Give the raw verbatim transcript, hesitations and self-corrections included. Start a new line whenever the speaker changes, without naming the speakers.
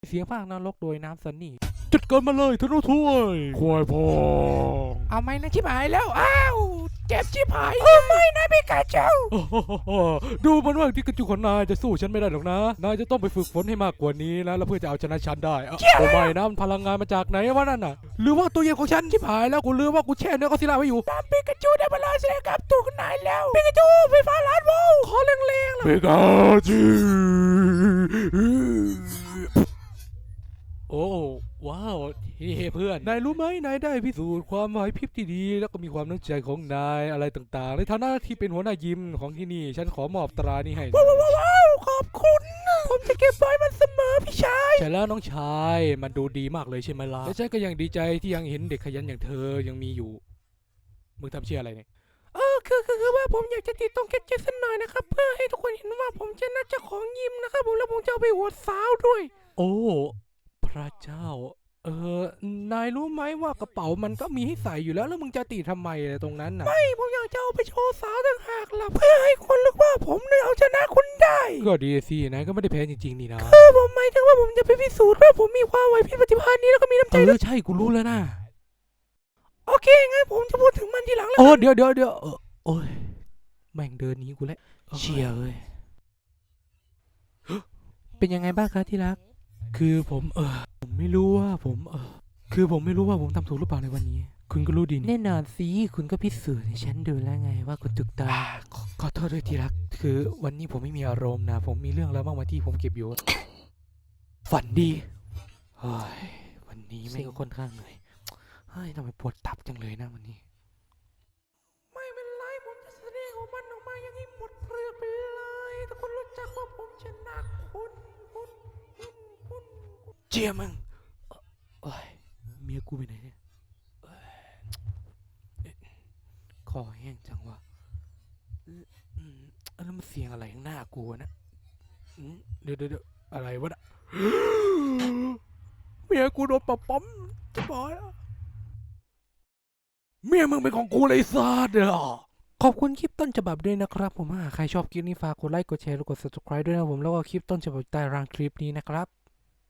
เสียงภาคนรกโดยน้ำซันนี่จัดการมาเลยธนูถ้วยควายพองเอาไหมนะชิบหายแล้วอ้าวเจ็บชิบหายโอ้ไม่นะพี่กาเจ้าดูเหมือนว่าที่กระจุกของนายจะสู้ฉันไม่ได้หรอกนะนายจะต้องไปฝึกฝนให้มากกว่านี้นะแล้วเพื่อจะเอาชนะฉันได้โอ้ไม่นะมันพลังงานมาจากไหนวะนั่นน่ะหรือว่าตัวเย็นของฉันชิบหายแล้วกูลืมว่ากูแช่เนื้อก็ซิล่าไว้อยู่ตามปิกาจูได้เวลาแสดงกับตัวของนายแล้วปิกาจูไฟฟ้าล้านโวลต์ขอแรงๆเลยปิกาจูโอ้ว้าวเฮ้เพื่อนนายรู้ไหมนายได้พิสูจน์ความไหวพริบที่ดีแล้วก็มีความตั้งใจของนายอะไรต่างๆในฐานะที่เป็นหัวหน้ายิมของที่นี่ฉันขอมอบตรานี้ให้ว้าวว้าวขอบคุณผมจะเก็บไว้มันเสมอพี่ชายใช่แล้วน้องชายมันดูดีมากเลยใช่ไหมล่ะและฉันก็ยังดีใจที่ยังเห็นเด็กขยันอย่างเธอยังมีอยู่มึงทำเชี่ยอะไรเนี่ยเออคือคือคือว่าผมอยากจะติดตรงแคทเจ็ตสักหน่อยนะครับเพื่อให้ทุกคนเห็นว่าผมจะน่าจะของยิมนะครับผมแล้วผมจะเอาไปอวดสาวด้วยโอ้พระเจ้าเออนายรู้ไหมว่ากระเป๋ามันก็มีให้ใส่อยู่แล้วแล้วมึงจะตีทำไมตรงนั้นน่ะไม่ผมอยากจะเอาไปโชว์สาวต่างหากล่ะเพื่อให้คนรู้ว่าผมเนี่ยเอาชนะคุณได้ก็ดีสินายก็ไม่ได้แพ้จริงๆนี่นะคือผมหมายถึงว่าผมจะไปพิสูจน์ว่าผมมีความไหวพริบปฏิภาณนี้แล้วก็มีน้ำใจเออใช่กูรู้แล้วนะโอเคงั้นผมจะพูดถึงมันทีหลังแล้วโอ้เดี๋ยวเดี๋ยวเดี๋ยวโอ้ยแม่งเดินหนีกูแล้วเชี่ยเอ้ยเป็นยังไงบ้างคะที่รักคือผมเออผมไม่รู้ว่าผมเออคือผมไม่รู้ว่าผมทำถูกหรือเปล่าในวันนี้คุณก็รู้ดีนี่แน่นอนสิคุณก็พิสูจน์ให้ฉันดูแล้วไงว่าคุณถูกต้องขอขอโทษด้วยที่รักคือวันนี้ผมไม่มีอารมณ์นะผมมีเรื่องแล้วมากมายที่ผมเก็บอยู่ฝันดีเฮ้ยวันนี้ไม่ก็ค่อนข้างเหนื่อยเฮ้ยทำไมปวดตับจังเลยนะวันนี้ไม่เป็นไรผมจะแสดงของมันออกมาอย่างนี้หมดเปลือกไปเลยทุกคนรู้จักว่าผมชนะคุณคุณคุณคุณเจียมึงเอ้ยเมียกูไปไหนเนี่ยคอแห้งจังวะแล้วมันเสียงอะไรข้างหน้ากูนะเดี๋ยวเดี๋ยวอะไรวะน่ะเมียกูโดนปะปั๊มจะบอกเมียมึงเป็นของกูเลยซาดเด้อขอบคุณคลิปต้นฉบับด้วยนะครับผมหากใครชอบคลิปนี้ฝากกดไลค์กดแชร์และกด ซับสไครบ์ ด้วยนะผมแล้วก็คลิปต้นฉบับใต้ล่างคลิปนี้นะครับ